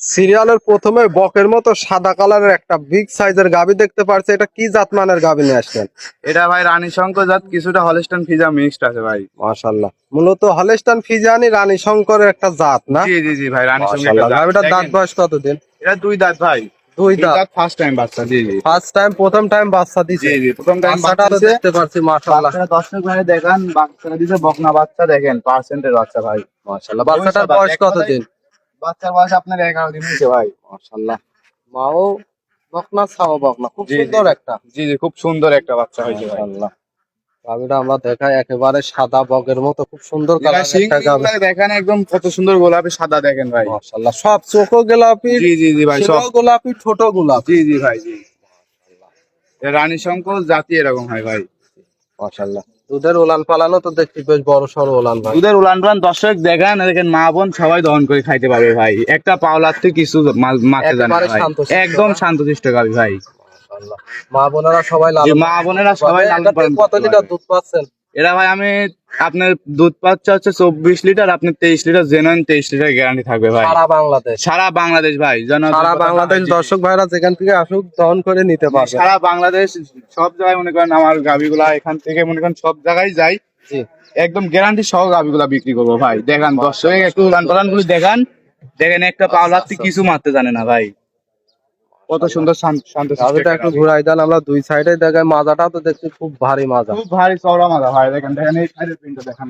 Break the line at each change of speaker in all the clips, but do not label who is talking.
সিরিয়ালের প্রথমে বকের মতো সাদা কালারের একটা বিগ সাইজের গাভী দেখতে পারছে, এটা কি জাতমানের গাভী নিয়ে আসলেন?
এটা ভাই রানী শঙ্কর জাত, কিছুটা হলস্টাইন ফ্রিজিয়ান মিক্সড আছে ভাই।
মাশাআল্লাহ, মূলত হলস্টাইন ফ্রিজিয়ানি রানী শঙ্করের একটা জাত না?
জি জি জি ভাই, রানী শঙ্কর
মাশাআল্লাহ, গাভীটার দাঁত বয়স কতদিন?
এটা দুই দাঁত ভাই।
দুই দাঁত,
ফার্স্ট টাইম বাচ্চা। জি জি,
ফার্স্ট টাইম, প্রথম টাইম বাচ্চা দিছে।
জি জি, প্রথম টাইম
বাচ্চাটা তো দেখতে পাচ্ছি, মাশাআল্লাহ।
বাচ্চাটা দর্শক ভাই দেখেন, বাচ্চাটা দিছে বকনা বাচ্চা, দেখেন পার্সেন্টের বাচ্চা ভাই।
মাশাআল্লাহ, বাচ্চাটার বয়স কতদিন?
বাচ্চার বয়স আপনার 11 দিন হয়েছে ভাই।
মাশাআল্লাহ, মাও বকনা, ছাও বকনা, খুব
জি, জি।
সুন্দর একটা।
জি জি, খুব সুন্দর একটা বাচ্চা হয়েছে ভাই।
মাশাআল্লাহ, গাভীটা আমরা দেখাই একেবারে সাদা বকের মতো, খুব সুন্দর কালার একটা গাভী।
দেখেন একদম কত সুন্দর গোলাপি সাদা, দেখেন ভাই।
মাশাআল্লাহ, সব চোখও গোলাপি,
জি জি জি ভাই, সব
শিংও গোলাপি, ঠোঁট গোলাপি।
জি জি ভাই জি। এ রানী শঙ্কর জাতি এরকম হয় ভাই।
মাশাআল্লাহ, দুধের উলান পালানো তো দেখছি বেশ বড় সড়ো উলান ভাই।
দুধের উলান পালান দর্শক দেখেন, দেখেন মা বোন সবাই দহন করে খাইতে পারবে ভাই। একটা পাওলার থেকে কিছু মাকে জানে
একেবারে
ভাই,
শান্তশিষ্ট
একদম
না?
শান্তশিষ্ট গাবি ভাই।
মাশাআল্লাহ, মা বোনেরা সবাই
জি,
লালন
মা বোনেরা সবাই লালন
এটাতে
পালন
কত
করতে
লিটার
পারবে।
দুধ পাচ্ছেন?
এরা ভাই আমি আপনার দুধ পাচ্ছে হচ্ছে 24 লিটার, আপনার 23 লিটার জেনুইন, 23 লিটার গ্যারান্টি থাকবে ভাই।
সারা বাংলাদেশ,
সারা বাংলাদেশ ভাই,
সারা বাংলাদেশ দর্শক ভাইরা যেখান থেকে আসুক দহন করে নিতে পারবে।
সারা বাংলাদেশ সব জায়গায় মনে করেন আমার গাবিগুলা এখান থেকে মনে করেন সব জায়গায় যাই,
জি,
একদম গ্যারান্টি সহ গাবিগুলা বিক্রি করবো ভাই। দেখেন দর্শক একটু উলান পালান গুলি দেখেন, দেখেন একটা পাওলার থেকে কিছু মারতে জানে না ভাই। কত সুন্দর শান্ত
গাভীটা একটু ঘুরাই দেন, আমরা দুই সাইডে দেখাই। মাজাটাও তো দেখছি খুব ভারী মাজা।
খুব ভারী চওড়া মাথা ভাই, দেখেন দেখেন এই সাইডের প্রিন্টটা দেখেন।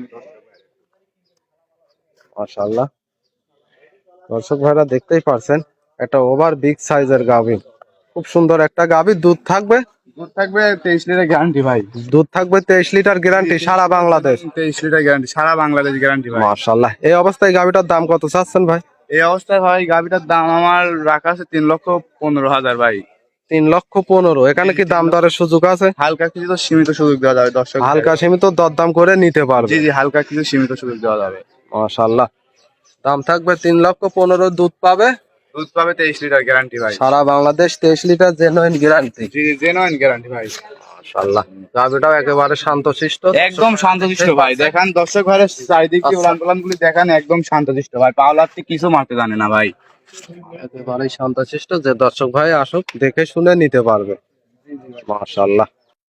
মাশাআল্লাহ, দর্শক ভাইরা দেখতেই পারছেন, একটা ওভার বিগ সাইজের গাভী, খুব সুন্দর একটা গাভী। দুধ থাকবে,
দুধ থাকবে 23 লিটার গ্যারান্টি ভাই।
দুধ থাকবে 23 লিটার গ্যারান্টি, সারা বাংলাদেশ।
23 লিটার গ্যারান্টি, সারা বাংলাদেশ গ্যারান্টি ভাই।
মাশাআল্লাহ, এই অবস্থায় গাভীটার দাম কত চাচ্ছেন ভাই?
এই অবস্থায় ভাই গাভিটার দাম আমার রাখা আছে 3,15,000 ভাই।
3,15,000। এখানে কি দাম দরের সুযোগ আছে?
হালকা কিছু তো সীমিত সুযোগ দেওয়া যাবে দর্শক।
হালকা সীমিত দরদাম করে নিতে পারবে।
জি জি, হালকা কিছু সীমিত সুযোগ দেওয়া যাবে।
মাশাআল্লাহ, দাম থাকবে 3,15,000, দুধ পাবে,
দুধ পাবে 23 লিটার গ্যারান্টি ভাই।
সারা বাংলাদেশ 23 লিটার জেনুইন গ্যারান্টি।
জি জি, জেনুইন গ্যারান্টি ভাই।
মাশাআল্লাহ, গাভীটাও একেবারে শান্তশিষ্ট,
একদম শান্তশিষ্ট ভাই। দেখেন দর্শক ভাইয়ের চারিদিকে উলান পালান গুলি দেখেন, একদম শান্তশিষ্ট ভাই। পাওলার থেকে কিছু মারতে জানে না ভাই।
একেবারে শান্তশিষ্ট। যে দর্শক ভাই আসুক দেখে শুনে নিতে পারবে। মাশাআল্লাহ।